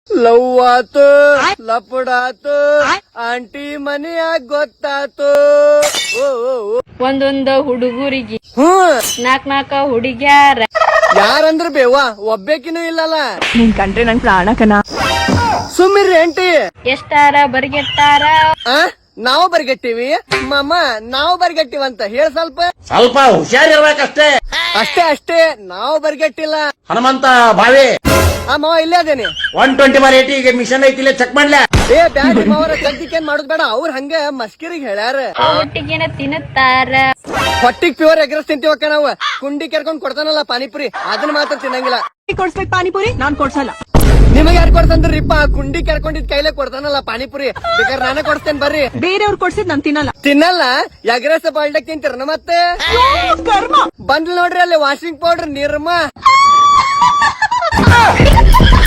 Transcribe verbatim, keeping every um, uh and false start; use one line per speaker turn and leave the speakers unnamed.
Love ಆತು ಲಪಡಾತು aunty ಮನೆಯಾಗ ಗೊತ್ತಾತು. ಓ ಓ, ಓ.
ಒಂದೊಂದ ಹುಡುಗರಿಗೆ
ಹ್ಮ್
ನಾಕ್ ನಾಕ ಹುಡುಗ್ಯಾರ.
ಯಾರಂದ್ರ ಬೇವಾ ಒಬ್ಬೇಕಿನೂ ಇಲ್ಲಲ್ಲ.
ನಿನ್ ಕಂಡ್ರೆ ನನ್ ಪ್ರಾಣಕನ.
ಸುಮ್ಮಿರ್ರಿ ಆಂಟಿ.
ಎಷ್ಟಾರ ಬರ್ಗೆಟ್ಟಾರ.
ಆ ನಾವು ಬರ್ಗಟ್ಟಿವಿ ಮಾಮ, ನಾವು ಬರ್ಗಟ್ಟಿವಂತ ಹೇಳ ಸ್ವಲ್ಪ.
ಸ್ವಲ್ಪ ಹುಷಾರಿರ್ಬೇಕಷ್ಟೇ.
ಅಷ್ಟೇ ಅಷ್ಟೇ, ನಾವು ಬರ್ಗಟ್ಟಿಲ್ಲ.
ಹನುಮಂತ ಭಾವಿ
ಆ ಮಾವ ಇಲ್ಲೇ ಅದೇನಿ.
ಒನ್ ಟ್ವೆಂಟಿ ಬಾರ್ ಏಟಿ ಈಗ ಮಿಷನ್ ಐತಿಲ್ಲ, ಚೆಕ್ ಮಾಡ್ಲ.
ಏ ಬ್ಯಾಡ ಮಾವರ ಕದ್ದಿಕೇನ್ ಮಾಡುದ್ ಬೇಡ. ಅವ್ರ ಹಂಗ ಮಸ್ಕಿರಿಗೆ ಹೇಳ್ಯಾರ.
ಒಟ್ಟಿಗೇನ ತಿನ್ನುತ್ತಾರ.
ಹೊಟ್ಟಿಗ್ ಪ್ಯೂರ್ ಎಗ್ರೆಸ್ ತಿಂತೀವಕ್ಕ ನಾವು. ಕುಂಡಿ ಕೆರ್ಕೊಂಡ್ ಕೊಡ್ತಾನಲ್ಲ ಪಾನಿಪುರಿ, ಅದನ್ನ ಮಾತ್ರ ತಿನ್ನಂಗಿಲ್ಲ.
ಕೊಡ್ಸ್ಬೇಕು ಪಾನಿಪುರಿ, ನಾನ್ ಕೊಡ್ಸಲ್ಲ.
ನಿಮಗ್ ಯಾರು ಕೊಡ್ತಂದ್ರಿಪ್ಪ? ಕುಂಡಿ ಕೆರ್ಕೊಂಡಿದ್ ಕೈಲೇ ಕೊಡ್ತಾನಲ್ಲ ಪಾನಿಪುರಿ. ಬೇಕಾದ್ರೆ ನಾನೇ ಕೊಡ್ತೇನೆ ಬರ್ರಿ.
ಬೇರೆಯವ್ರು ಕೊಡ್ಸಿದ್ ನಾನ್ ತಿನ್ನಲ್ಲ.
ತಿನ್ನಲ್ಲ? ಎಗ್ರೆಸ್ ಬಾಲ್ಡಕ್ ತಿಂತೀರ ಮತ್ತೆ?
ಕರ್ಮ.
ಬಂದ್ಲ್ ನೋಡ್ರಿ ಅಲ್ಲಿ ವಾಷಿಂಗ್ ಪೌಡರ್ ನಿರ್ಮ.